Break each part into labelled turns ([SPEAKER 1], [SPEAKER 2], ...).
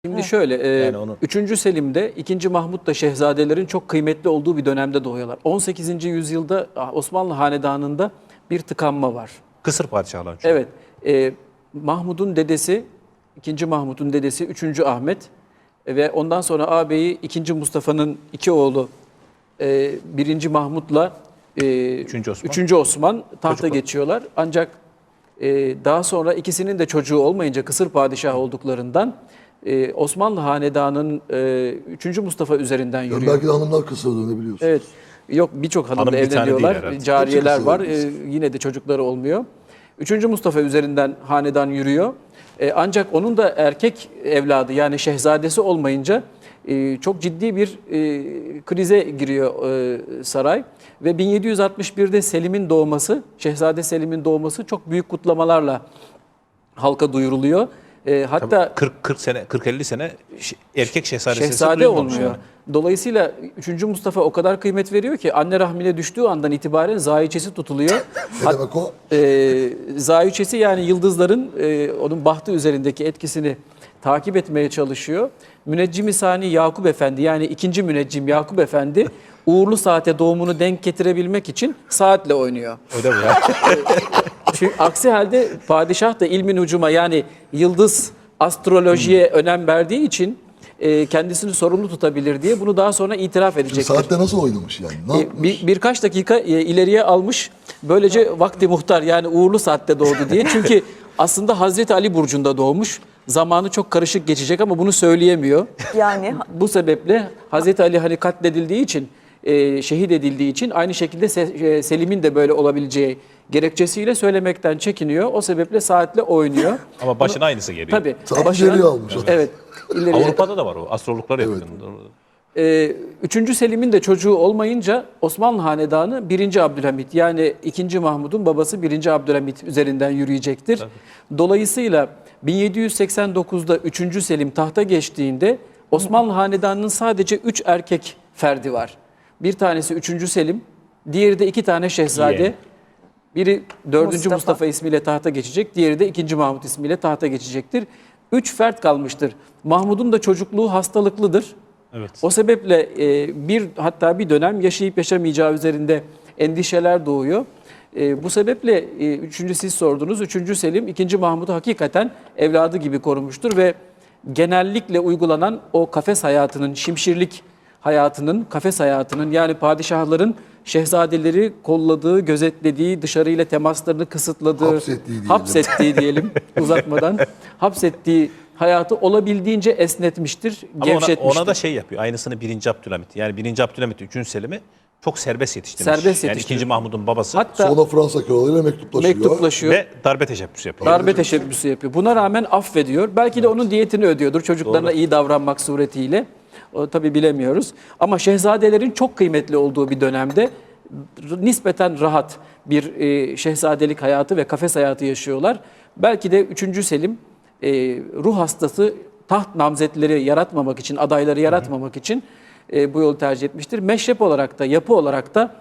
[SPEAKER 1] Şimdi şöyle,
[SPEAKER 2] Yani onu...
[SPEAKER 1] 3. Selim'de 2. Mahmut da şehzadelerin çok kıymetli olduğu bir dönemde doğuyorlar. 18. yüzyılda Osmanlı Hanedanı'nda bir tıkanma var.
[SPEAKER 2] Kısır padişahlar.
[SPEAKER 1] Evet, Mahmud'un dedesi, 2. Mahmud'un dedesi 3. Ahmet ve ondan sonra ağabeyi 2. Mustafa'nın iki oğlu 1. Mahmud'la 3. Osman tahta geçiyorlar. Ancak daha sonra ikisinin de çocuğu olmayınca kısır padişah olduklarından Osmanlı Hanedanı'nın 3. Mustafa üzerinden yürüyor.
[SPEAKER 3] Belki de hanımlar kısırdı, ne biliyorsunuz?
[SPEAKER 1] Evet. Yok, birçok hanımla
[SPEAKER 2] Hanım bir tane
[SPEAKER 1] evleniyorlar.
[SPEAKER 2] değil
[SPEAKER 1] Cariyeler
[SPEAKER 3] Hepsi
[SPEAKER 1] var.
[SPEAKER 3] kısır
[SPEAKER 1] Yine de çocukları olmuyor. 3. Mustafa üzerinden hanedan yürüyor. Ancak onun da erkek evladı yani şehzadesi olmayınca çok ciddi bir krize giriyor saray. Ve 1761'de Selim'in doğması, Şehzade Selim'in doğması çok büyük kutlamalarla halka duyuruluyor. Hatta
[SPEAKER 2] 40-50 sene erkek
[SPEAKER 1] şehzade olmuyor. Yani. Dolayısıyla 3. Mustafa o kadar kıymet veriyor ki anne rahmine düştüğü andan itibaren zayiçesi tutuluyor.
[SPEAKER 3] Ne demek o?
[SPEAKER 1] Zayiçesi yani yıldızların onun bahtı üzerindeki etkisini takip etmeye çalışıyor. Müneccim-i Sani Yakup Efendi yani 2. müneccim Yakup Efendi uğurlu saate doğumunu denk getirebilmek için saatle oynuyor.
[SPEAKER 2] Öyle mi ya?
[SPEAKER 1] Çünkü aksi halde padişah da ilmin ucuma yani yıldız astrolojiye önem verdiği için kendisini sorumlu tutabilir diye bunu daha sonra itiraf edecektir.
[SPEAKER 3] Saatte nasıl oynamış yani? Ne yapmış?
[SPEAKER 1] Birkaç dakika ileriye almış. Böylece vakti muhtar yani uğurlu saatte doğdu diye. Çünkü aslında Hazreti Ali burcunda doğmuş. Zamanı çok karışık geçecek ama bunu söyleyemiyor.
[SPEAKER 4] Yani
[SPEAKER 1] bu sebeple Hazreti Ali hani katledildiği için, şehit edildiği için aynı şekilde Selim'in de böyle olabileceği gerekçesiyle söylemekten çekiniyor. O sebeple saatle oynuyor.
[SPEAKER 2] Ama başına aynısı geliyor.
[SPEAKER 1] Tabii.
[SPEAKER 3] Saat ileriye almış.
[SPEAKER 1] Evet.
[SPEAKER 2] Avrupa'da da var o. Astrologlar yapıyor.
[SPEAKER 1] 3. Selim'in de çocuğu olmayınca Osmanlı Hanedanı 1. Abdülhamit yani 2. Mahmud'un babası 1. Abdülhamit üzerinden yürüyecektir. Tabii. Dolayısıyla 1789'da 3. Selim tahta geçtiğinde Osmanlı Hanedanı'nın sadece 3 erkek ferdi var. Bir tanesi 3. Selim, diğeri de 2 tane şehzade. Yeah. Biri 4. Mustafa ismiyle tahta geçecek, diğeri de 2. Mahmud ismiyle tahta geçecektir. 3 fert kalmıştır. Mahmud'un da çocukluğu hastalıklıdır.
[SPEAKER 2] Evet.
[SPEAKER 1] O sebeple hatta bir dönem yaşayıp yaşamayacağı üzerinde endişeler doğuyor. Bu sebeple 3. siz sordunuz. 3. Selim 2. Mahmud'u hakikaten evladı gibi korumuştur ve genellikle uygulanan o kafes hayatının, şimşirlik hayatının, kafes hayatının yani padişahların şehzadeleri kolladığı, gözetlediği, dışarıyla temaslarını kısıtladığı, hapsettiği diyelim uzatmadan, hapsettiği hayatı olabildiğince esnetmiştir, gevşetmiştir.
[SPEAKER 2] Ona da şey yapıyor, aynısını 1. Abdülhamit. Yani 1. Abdülhamit 3. Selim'i çok serbest yetiştirmiş.
[SPEAKER 1] Serbest
[SPEAKER 2] yani 2. Mahmud'un babası.
[SPEAKER 1] Hatta
[SPEAKER 3] sonra Fransa kralıyla mektuplaşıyor.
[SPEAKER 2] Ve darbe teşebbüsü yapıyor.
[SPEAKER 1] Darbe teşebbüsü yapıyor. Buna rağmen affediyor. Belki de onun diyetini ödüyordur çocuklarına iyi davranmak suretiyle. O tabii bilemiyoruz. Ama şehzadelerin çok kıymetli olduğu bir dönemde nispeten rahat bir şehzadelik hayatı ve kafes hayatı yaşıyorlar. Belki de 3. Selim ruh hastası taht namzetleri yaratmamak için, adayları yaratmamak için bu yolu tercih etmiştir. Meşrep olarak da, yapı olarak da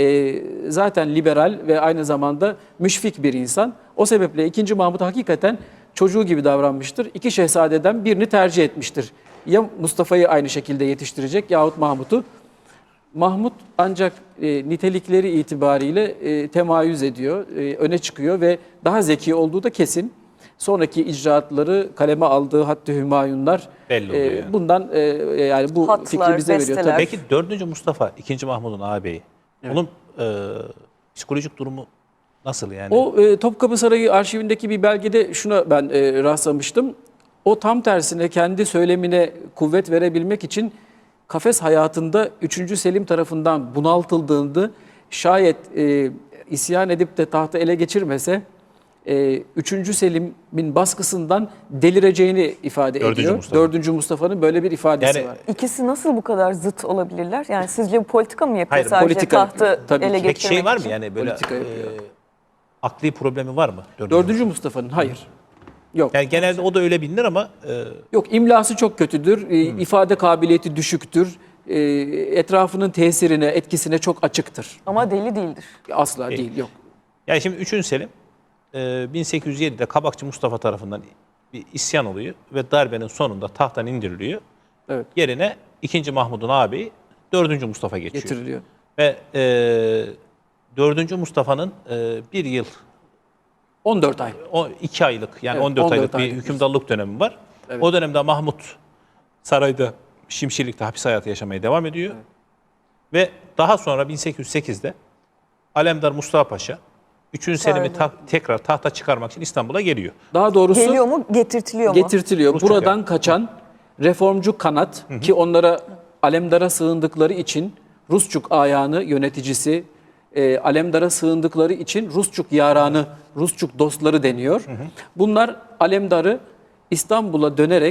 [SPEAKER 1] zaten liberal ve aynı zamanda müşfik bir insan. O sebeple 2. Mahmud hakikaten çocuğu gibi davranmıştır. 2 şehzadeden birini tercih etmiştir. Ya Mustafa'yı aynı şekilde yetiştirecek yahut Mahmud'u. Mahmud ancak nitelikleri itibariyle temayüz ediyor, öne çıkıyor ve daha zeki olduğu da kesin. Sonraki icraatları kaleme aldığı Hattı Hümayunlar
[SPEAKER 2] belli oluyor yani.
[SPEAKER 1] Bundan yani bu
[SPEAKER 4] Hatlar,
[SPEAKER 1] fikri bize veriyor. Tabii.
[SPEAKER 2] Peki 4. Mustafa 2. Mahmud'un ağabeyi. Evet. Onun psikolojik durumu nasıl yani?
[SPEAKER 1] O Topkapı Sarayı arşivindeki bir belgede şuna ben rastlamıştım. O tam tersine kendi söylemine kuvvet verebilmek için kafes hayatında 3. Selim tarafından bunaltıldığında şayet isyan edip de tahtı ele geçirmese 3. Selim'in baskısından delireceğini ifade ediyor. 4. Mustafa'nın böyle bir ifadesi var.
[SPEAKER 4] İkisi nasıl bu kadar zıt olabilirler? Yani sizce bu politika mı yapıyor?
[SPEAKER 2] Hayır,
[SPEAKER 4] sadece
[SPEAKER 1] politika,
[SPEAKER 4] tahtı
[SPEAKER 1] tabii
[SPEAKER 4] ele
[SPEAKER 1] ki.
[SPEAKER 4] geçirmek
[SPEAKER 2] Peki şey var mı
[SPEAKER 4] için?
[SPEAKER 2] yani böyle
[SPEAKER 1] Politika
[SPEAKER 2] akli problemi var mı?
[SPEAKER 1] 4. Mustafa'nın hayır. Yok.
[SPEAKER 2] Yani genelde o da öyle bilinir ama
[SPEAKER 1] Yok, imlası çok kötüdür. İfade kabiliyeti düşüktür. Etrafının tesirine, etkisine çok açıktır.
[SPEAKER 4] Ama deli değildir.
[SPEAKER 1] Asla değil, yok.
[SPEAKER 2] yani şimdi 3. Selim 1807'de Kabakçı Mustafa tarafından bir isyan oluyor ve darbenin sonunda tahttan indiriliyor.
[SPEAKER 1] Evet.
[SPEAKER 2] Yerine 2. Mahmud'un ağabeyi 4. Mustafa geçiyor.
[SPEAKER 1] Getiriliyor.
[SPEAKER 2] Ve 4. Mustafa'nın 1 yıl
[SPEAKER 1] 14 ay.
[SPEAKER 2] 2 aylık yani
[SPEAKER 1] Evet,
[SPEAKER 2] 14 aylık
[SPEAKER 1] 14
[SPEAKER 2] bir
[SPEAKER 1] aylık
[SPEAKER 2] hükümdarlık dönemi var.
[SPEAKER 1] Evet.
[SPEAKER 2] O dönemde Mahmut sarayda Şimşirlik'te hapis hayatı yaşamaya devam ediyor. Ve daha sonra 1808'de Alemdar Mustafa Paşa 3. Selim'i tekrar tahta çıkarmak için İstanbul'a geliyor.
[SPEAKER 1] Daha doğrusu
[SPEAKER 4] Geliyor mu, getirtiliyor mu?
[SPEAKER 1] getirtiliyor.
[SPEAKER 2] Rusçuk
[SPEAKER 1] Buradan
[SPEAKER 2] yani.
[SPEAKER 1] kaçan reformcu kanat ki onlara Alemdar'a sığındıkları için Rusçuk ayağını yöneticisi, Alemdar'a sığındıkları için Rusçuk yaranı, Rusçuk dostları deniyor. Bunlar Alemdar'ı İstanbul'a dönerek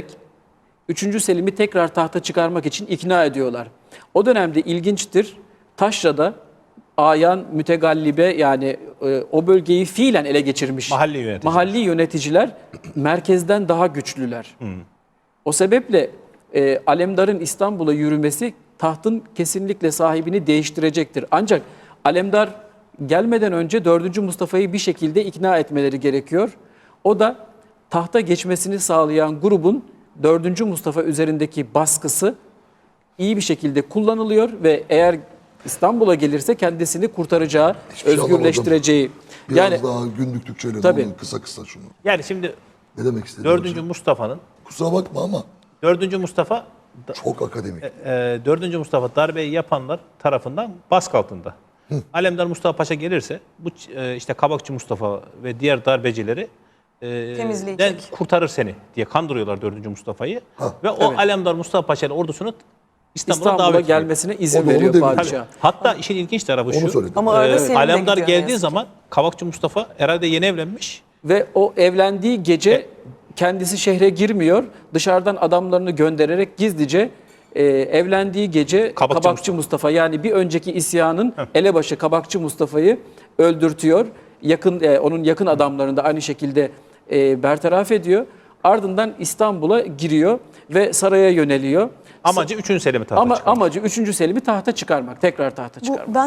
[SPEAKER 1] 3. Selim'i tekrar tahta çıkarmak için ikna ediyorlar. O dönemde ilginçtir. Taşra'da ayan mütegallibe yani o bölgeyi fiilen ele geçirmiş mahalli yöneticiler merkezden daha güçlüler. O sebeple Alemdar'ın İstanbul'a yürümesi tahtın kesinlikle sahibini değiştirecektir. Ancak Alemdar gelmeden önce 4. Mustafa'yı bir şekilde ikna etmeleri gerekiyor. O da tahta geçmesini sağlayan grubun 4. Mustafa üzerindeki baskısı iyi bir şekilde kullanılıyor ve eğer İstanbul'a gelirse kendisini kurtaracağı,
[SPEAKER 3] Hiçbir şey
[SPEAKER 1] özgürleştireceği.
[SPEAKER 3] Biraz
[SPEAKER 1] Yani
[SPEAKER 3] daha günlük Türkçeyle
[SPEAKER 1] Tabii.
[SPEAKER 3] kısa kısa şunu.
[SPEAKER 2] Yani şimdi
[SPEAKER 3] Ne demek istediğim
[SPEAKER 2] 4. Mustafa'nın
[SPEAKER 3] Kusura bakma ama
[SPEAKER 2] 4. Mustafa
[SPEAKER 3] çok akademik.
[SPEAKER 2] 4. Mustafa darbeyi yapanlar tarafından baskı altında. Alemdar Mustafa Paşa gelirse bu işte Kabakçı Mustafa ve diğer darbecileri
[SPEAKER 4] Temizleyecek.
[SPEAKER 2] kurtarır seni diye kandırıyorlar 4. Mustafa'yı. Ve o Alemdar Mustafa Paşa'nın ordusunu İstanbul'a davet ediyor.
[SPEAKER 1] gelmesine izin
[SPEAKER 3] O da onu
[SPEAKER 1] veriyor
[SPEAKER 3] demiyor.
[SPEAKER 1] padişah.
[SPEAKER 2] Hatta işin ilginç tarafı
[SPEAKER 3] Onu
[SPEAKER 2] şu.
[SPEAKER 3] söyledim.
[SPEAKER 4] Ama arada Selim de
[SPEAKER 2] Alemdar
[SPEAKER 4] gidiyor
[SPEAKER 2] geldiği
[SPEAKER 4] neyse.
[SPEAKER 2] zaman Kabakçı Mustafa herhalde yeni evlenmiş.
[SPEAKER 1] Ve o evlendiği gece kendisi şehre girmiyor. Dışarıdan adamlarını göndererek gizlice evlendiği gece Kabakçı Mustafa yani bir önceki isyanın elebaşı Kabakçı Mustafa'yı öldürtüyor. Onun yakın adamlarını da aynı şekilde bertaraf ediyor. Ardından İstanbul'a giriyor ve saraya yöneliyor.
[SPEAKER 2] Amacı 3. Selim'i tahta çıkarmak.
[SPEAKER 1] Amacı 3. Selim'i tahta çıkarmak, tekrar tahta çıkarmak.
[SPEAKER 4] Ben